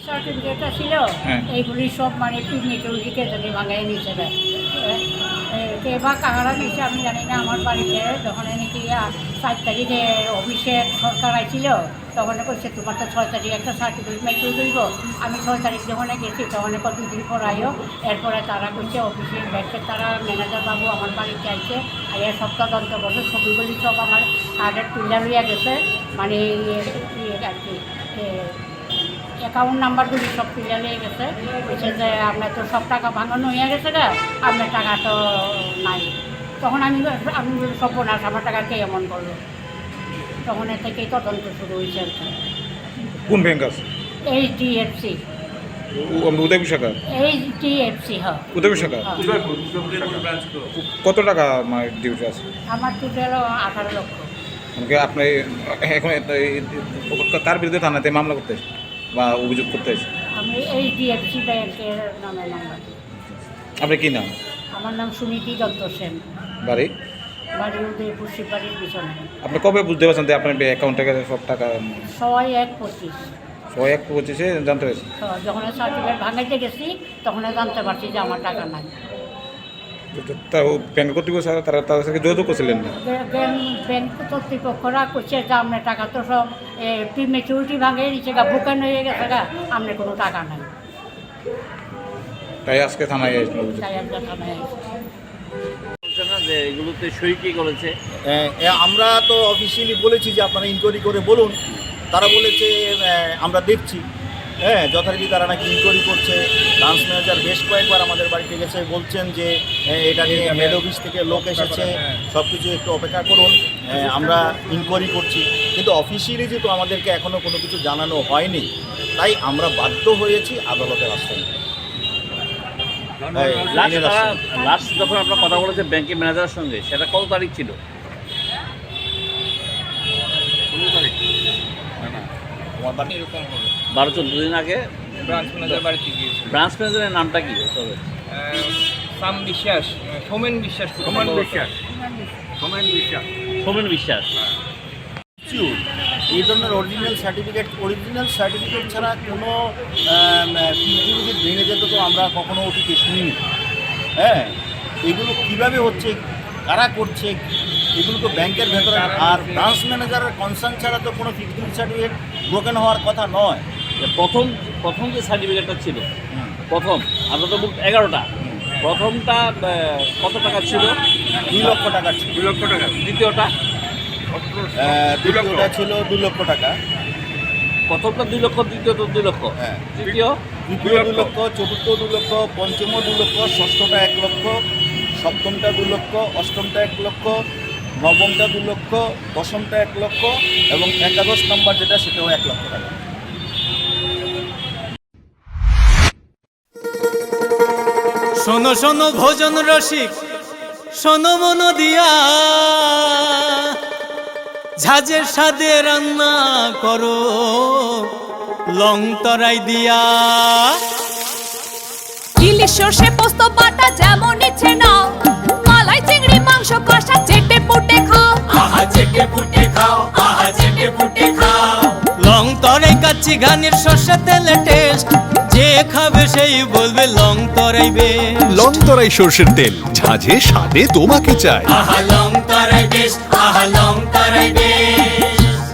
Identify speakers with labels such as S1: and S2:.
S1: সার্টিফিকেটটা ছিল এইগুলি সব মানে মেচুরিটিকে যদি ভাঙাই নিচে দেয় কে বা কাহারা নিচে আমি জানি না। আমার বাড়িতে যখন নাকি 4 তারিখে অফিসে সরকার আইছিল তখন বলছে তোমার তো 6 তারিখ একটা সার্টিফিকেট মেচুর দিব। আমি 6 তারিখ যখন গেছি তখন 2 দিন পর আইও। এরপরে তারা করছে অফিসের ব্যাংকের তারা ম্যানেজার বাবু আমার বাড়িতে আইছে আইয়া সব তদন্ত করছে। ছবিগুলি সব আমার কার্ডের তুলে লইয়া গেছে মানে আর কি অ্যাকাউন্ট নাম্বারগুলি সব তুলে নিয়ে গেছে। বলছে যে আপনার তো সব টাকা ভাঙানো হয়ে গেছে না, আপনার টাকা তো নাই। তখন আমি সর্বনাশ, আমার টাকা কে এমন করলো। তখন এর থেকেই তদন্ত শুরু হয়েছে আর কি।
S2: কোন ব্যাংক আছে?
S1: HDFC।
S2: উদয় শাখা?
S1: HDFC হ্যাঁ।
S2: উদয় শাখা। কত টাকা ডিউটি আছে?
S1: আমার টোটাল 18 লক্ষ।
S2: আপনি এখন কার বিরুদ্ধে থানাতে মামলা করতে বা অভিযোগ করতে আছে?
S1: আমি HDFC ব্যাংকের নামে মামলা।
S2: আপনার কি নাম?
S1: আমার নাম সুনীতি দত্ত সেন।
S2: বাড়ি?
S1: বাড়ি উদয়পুর শিববাড়ির পিছনে।
S2: আপনি কবে বুঝতে পারছেন যে আপনার অ্যাকাউন্ট থেকে সব টাকা?
S1: 1/1/25।
S2: 1/1/25 জানতে পেরেছি।
S1: যখন সার্টিফিকেট ভাঙাইতে গেছি তখন জানতে পারছি যে আমার টাকা নাই।
S2: ব্যাংক কর্তৃপক্ষ তারা তাদের সাথে যোগাযোগ করছিলেন না?
S1: ব্যাংক কর্তৃপক্ষরা করছে যে আপনার টাকা তো সব প্রিমেচুরিটি ভাঙে নিচে গা বুকান হয়ে গেছে গা, আপনার কোনো টাকা নাই।
S2: তাই আজকে থানায় আসলো।
S1: তাই আমরা থানায় আসছি।
S3: যে এগুলোতে সই কি করেছে?
S4: আমরা তো অফিসিয়ালি বলেছি যে আপনারা ইনকোয়ারি করে বলুন। তারা বলেছে আমরা দেখছি। যথারীতি তারা নাকি ইনকোয়ারি করছে। ব্রাঞ্চ ম্যানেজার বেশ কয়েকবার আমাদের বাড়িতে গেছে, বলছেন যে এটা নিয়ে হেড অফিস থেকে লোক এসেছে, সব কিছু একটু অপেক্ষা করুন, আমরা ইনকোয়ারি করছি। কিন্তু অফিসিয়ালি যেহেতু আমাদেরকে এখনও কোনো কিছু জানানো হয়নি, তাই আমরা বাধ্য হয়েছি আদালতের আশ্রয় নিতে।
S3: লাস্ট যখন আপনার কথা বলেছে ব্যাংকের ম্যানেজারের সঙ্গে, সেটা কত তারিখ ছিল? 12-14 দিন আগে
S5: ব্রাঞ্চ ম্যানেজার বাড়িতে গিয়েছিল।
S3: ব্রাঞ্চ ম্যানেজারের নামটা কি?
S5: সাম বিশ্বাস, সোমেন বিশ্বাস।
S3: সোমেন বিশ্বাস।
S4: এই ধরনের অরিজিনাল সার্টিফিকেট ছাড়া কোনো যদি ভেঙে যেত তো আমরা কখনো ওটিকে শুনিনি। এগুলো কীভাবে হচ্ছে, কারা করছে, এগুলো তো ব্যাংকের ভেতরে। আর ব্রাঞ্চ ম্যানেজারের কনসার্ন ছাড়া তো কোনো ফিজিক্যাল সার্টিফিকেট ব্রোকেন হওয়ার কথা নয়।
S3: প্রথম যে সার্টিফিকেটটা ছিল, প্রথম আপনার তো 11টা, প্রথমটা কত টাকা ছিল?
S4: 2 লক্ষ টাকা ছিল।
S5: 2 লক্ষ টাকা।
S3: দ্বিতীয়টা
S4: দ্বিতীয়টা ছিল 2 লক্ষ টাকা।
S3: প্রথমটা 2 লক্ষ, দ্বিতীয়টা 2 লক্ষ, তৃতীয়
S4: 2 লক্ষ, চতুর্থ 2 লক্ষ, পঞ্চম 2 লক্ষ, ষষ্ঠটা 1 লক্ষ, সপ্তমটা 2 লক্ষ, অষ্টমটা 1 লক্ষ, নবমটা 2 লক্ষ, দশমটা 1 লক্ষ এবং একাদশ নম্বর যেটা সেটাও 1 লক্ষ টাকা।
S6: শোনো শোনো ভোজন রসিক, শোনো মন দিয়া, ঝাঁঝের স্বাদে রান্না করো লং তরাই দিয়া।
S7: ইলিশ সর্ষে পোস্ত বাটা যেমন ইচ্ছে নাও, মালাই চিংড়ি মাংস কষা চেটে পুটে খাও।
S6: আহা চেটে পুটে খাও, আহা চেটে পুটে খাও। লং তরাই কাচ্চি ঘানির সর্ষে তেলে টেস্ট, যে খাবে সেই বলবে লং তরাই বেশ।
S8: লং তরাই সর্ষের তেল, ঝাঁঝে স্বাদে তোমাকে চাই।
S6: আহা লং তরাই বেশ, আহা লং তরাই বেশ।